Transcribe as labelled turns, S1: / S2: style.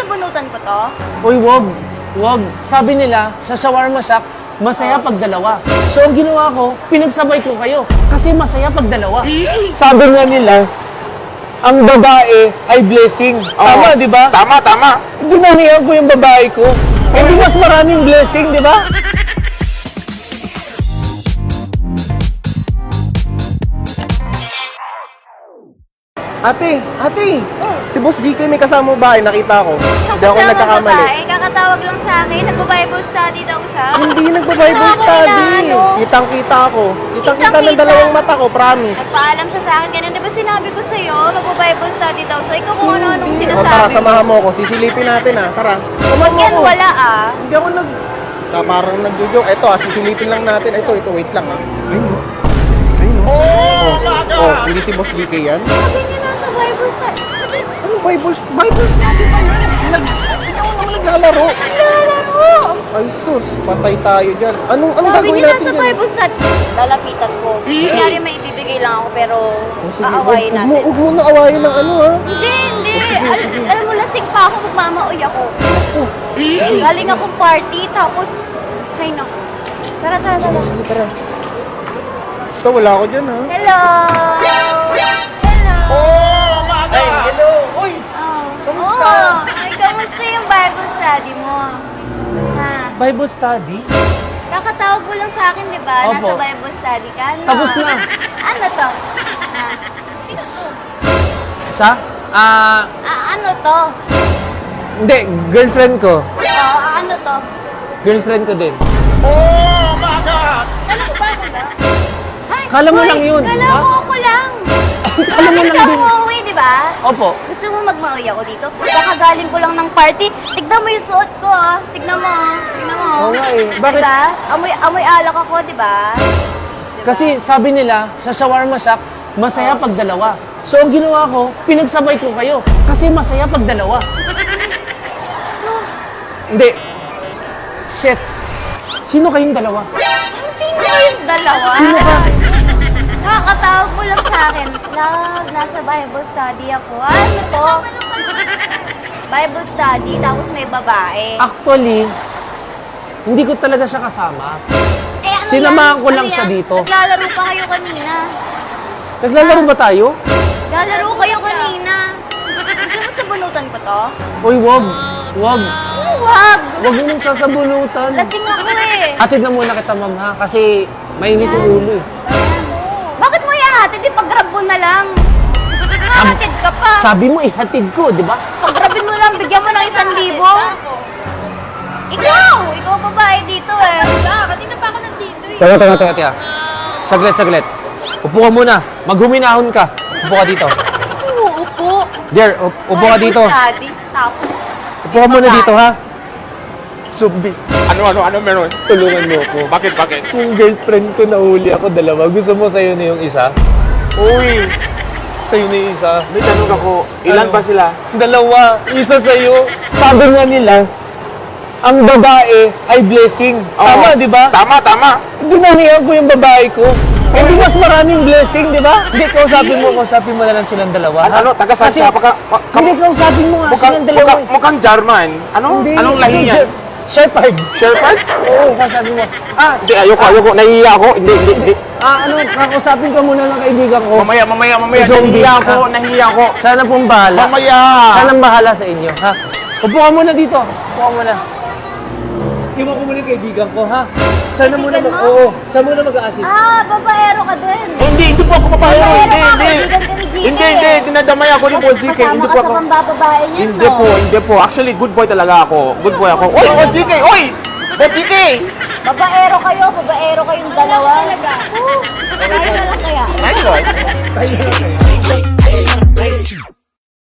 S1: bunutan ko to?
S2: Uy, wag. Wag. Sabi nila, sa shawarma shack, masaya pag dalawa. So, ang ginawa ko, pinagsabay ko kayo. Kasi masaya pag dalawa. Sabi nga nila, ang babae ay blessing. Tama, di ba?
S3: Tama, tama.
S2: Dinamihan ko yung babae ko. Hindi mas maraming blessing, di ba?
S4: Ate, si Boss GK may kasama ba? Nakita ko. Hindi ako
S1: Kasama
S4: nagkakamali.
S1: babae, kakatawag lang sa akin. Nagbo-Bible study daw siya.
S4: Hindi nagpa-Bible
S1: Wala akong
S4: study.
S1: inaano.
S4: Kitang-kita ako. Kitang-kita ng
S1: Kitang-kita.
S4: dalawang mata ko, promise.
S1: Nagpaalam siya sa akin ganun. Di ba sinabi ko sa'yo, magbo-Bible study daw siya. Ikaw kung ano-anong
S4: O,
S1: sinasabi
S4: tara,
S1: mo.
S4: samahan mo ako. Sisilipin natin Tara. Samahan mo
S1: Yan,
S4: ako.
S1: wala ah.
S4: Hindi ako parang nagjo-joke. Ito sisilipin lang natin. Ito, wait lang Ayun. Oh, hindi si Boss GK yan?
S1: Sabi niya nasa Bible study.
S4: Anong Bible study ba yun? Hindi ako naman naglalaro.
S1: Lalaro!
S4: Ay sus, patay tayo dyan. Anong
S1: Sabi
S4: gagawin
S1: niya
S4: natin
S1: nasa
S4: dyan?
S1: Bible study. Lalapitan ko. Kunyari may ibibigay lang ako pero
S4: Sige,
S1: aawayin natin.
S4: Huwag mo na awayin ng ano
S1: Hindi. Alam mo, lasing pa ako, magmamaoy ako. Galing akong party, tapos, ay naku. Tara.
S4: Sige, tara. Basta wala ako dyan
S1: Hello! Hello!
S2: Ay, hello! Uy! Kamusta?
S1: Ay, kamusta yung Bible study mo? Ha?
S2: Bible study?
S1: Kakatawag mo lang sa akin, di ba?
S2: Opo.
S1: Nasa Bible study ka. Ano?
S2: Tapos na.
S1: Ano to? Sino to?
S2: Siya?
S1: Ano to?
S2: Hindi, girlfriend ko.
S1: Ano to?
S2: Girlfriend ko din.
S1: Alam mo ba ako ba? Ay,
S2: Kala mo
S1: hoy,
S2: lang yun,
S1: Kala
S2: ha?
S1: mo ako lang.
S2: Kala mo lang
S1: Ikaw
S2: din.
S1: umuwi, di ba?
S2: Opo.
S1: Gusto mo magmaoy ako dito? Kakagaling ko lang ng party. Tignan mo yung suot ko, ah. Tignan mo, Tignan mo.
S2: Oo nga eh. Bakit?
S1: Diba? Amoy alak ako, di ba?
S2: Kasi sabi nila, sa shawarma shack, masaya pag dalawa. So, ang ginawa ko, pinagsabay ko kayo. Kasi masaya pag dalawa. Hindi. Shit. Sino kayong dalawa?
S1: Sino kayong dalawa?
S2: Sino ka?
S1: Nakakatawag mo lang sa akin. Love, nasa Bible study ako. Ano to? Bible study, tapos may babae.
S2: Actually, hindi ko talaga siya kasama.
S1: Eh, ano
S2: Sinamahan
S1: yan?
S2: ko lang
S1: Ano
S2: siya
S1: yan?
S2: dito.
S1: Naglalaro pa kayo kanina.
S2: Naglalaro ba tayo?
S1: Naglalaro kayo kanina. Gusto mo sabunutan ko to?
S2: Uy, wag. Wag.
S1: Huwag!
S2: Wag mo nang sasabunutan.
S1: Lasing ako eh.
S2: Hatid na muna kita, ma'am, ha? Kasi mainit yung ulo eh.
S1: Bakit mo ihatid? Pag-grab mo na lang. Hahatid ka pa.
S2: Sabi mo, ihatid ko, di ba?
S1: Pag-grabin mo lang, bigyan mo ng 1,000. Ikaw babae dito eh. Kanina pa ako nandito eh.
S2: Teka. Saglit. Upo ka muna. Maghuminahon ka. Upo ka dito.
S1: Uupo.
S2: Dear, upo ka dito.
S1: Study, tapos.
S2: Upo ka muna dito, ha? Sumbi,
S3: Ano meron?
S2: tulungan mo ako.
S3: Bakit?
S2: Yung girlfriend ko nahuli ako dalawa. Gusto mo sa'yo na yung isa?
S3: Uy,
S2: Sa'yo na yung isa?
S3: may tanong ako. Ilan
S2: Ano?
S3: ba sila?
S2: Dalawa. Isa sa'yo. Sabi nga nila, ang babae ay blessing. Tama, di ba?
S3: Tama.
S2: Dinamihan ko yung babae ko. Hindi mas maraming blessing, di ba? Hindi, kausapin mo na lang silang dalawa. ha?
S3: Ano, taga saan
S2: Kasi-
S3: siya?
S2: Hindi, kausapin mo nga silang dalawa. eh.
S3: Mukhang German. Anong lahi
S2: hindi,
S3: niya?
S2: Shepherd.
S3: Shepherd?
S2: Oo, kasabi mo.
S3: Hindi, ayoko. Nahihiya ako. Hindi.
S2: Kakausapin ka muna ng kaibigan ko.
S3: Mamaya.
S2: Zombie.
S3: Nahihiya ako.
S2: Sana pong bahala.
S3: Mamaya.
S2: Sana bahala sa inyo, ha? Upo ka muna dito. Upo ka muna. Iwan ko muna yung kaibigan ko, ha? Sana muna
S1: Kaibigan mo?
S2: Oo, sana muna mag-a-assist.
S1: Babaero ka din.
S3: Hindi po ako papayag.
S1: Babaero ka,
S3: Hindi.
S1: kaibigan ka ni GK.
S3: Hindi. Dinadamay ako ni Boss DK.
S1: Kasama
S3: Hindi
S1: ka
S3: po
S1: sa
S3: ako.
S1: pambababae niyan,
S3: Hindi po. Actually, good boy talaga ako. Good boy ako. Oy, Boss DK! Oy! Boss DK!
S1: Babaero kayong dalawa. Talaga. Tayo na lang kaya.
S3: Nice one.